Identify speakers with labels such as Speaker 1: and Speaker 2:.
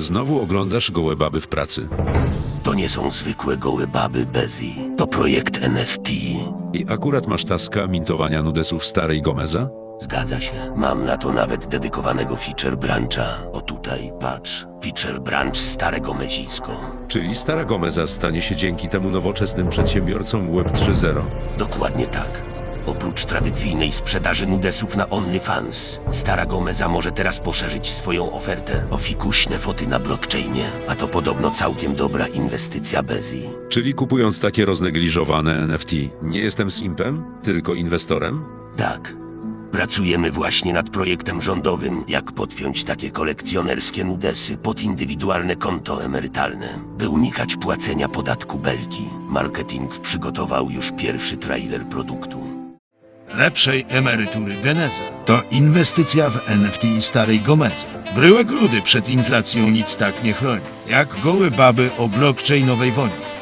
Speaker 1: Znowu oglądasz gołe baby w pracy.
Speaker 2: To nie są zwykłe gołe baby Bezi. To projekt NFT.
Speaker 1: I akurat masz taska mintowania nudesów starej Gomeza?
Speaker 2: Zgadza się. Mam na to nawet dedykowanego feature brancha. O tutaj, patrz. Feature branch Stare Gomezisko.
Speaker 1: Czyli stara Gomeza stanie się dzięki temu nowoczesnym przedsiębiorcom Web 3.0.
Speaker 2: Dokładnie tak. Oprócz tradycyjnej sprzedaży nudesów na OnlyFans, Stara Gomeza może teraz poszerzyć swoją ofertę o fikuśne foty na blockchainie, a to podobno całkiem dobra inwestycja Bezi.
Speaker 1: Czyli kupując takie roznegliżowane NFT, nie jestem simpem, tylko inwestorem?
Speaker 2: Tak. Pracujemy właśnie nad projektem rządowym, jak podpiąć takie kolekcjonerskie nudesy pod indywidualne konto emerytalne, by unikać płacenia podatku belki. Marketing przygotował już pierwszy trailer produktu.
Speaker 3: Lepszej emerytury Geneza. To inwestycja w NFT starej Gomezy. Bryłek rudy przed inflacją nic tak nie chroni, jak gołe baby o blockchainowej woni.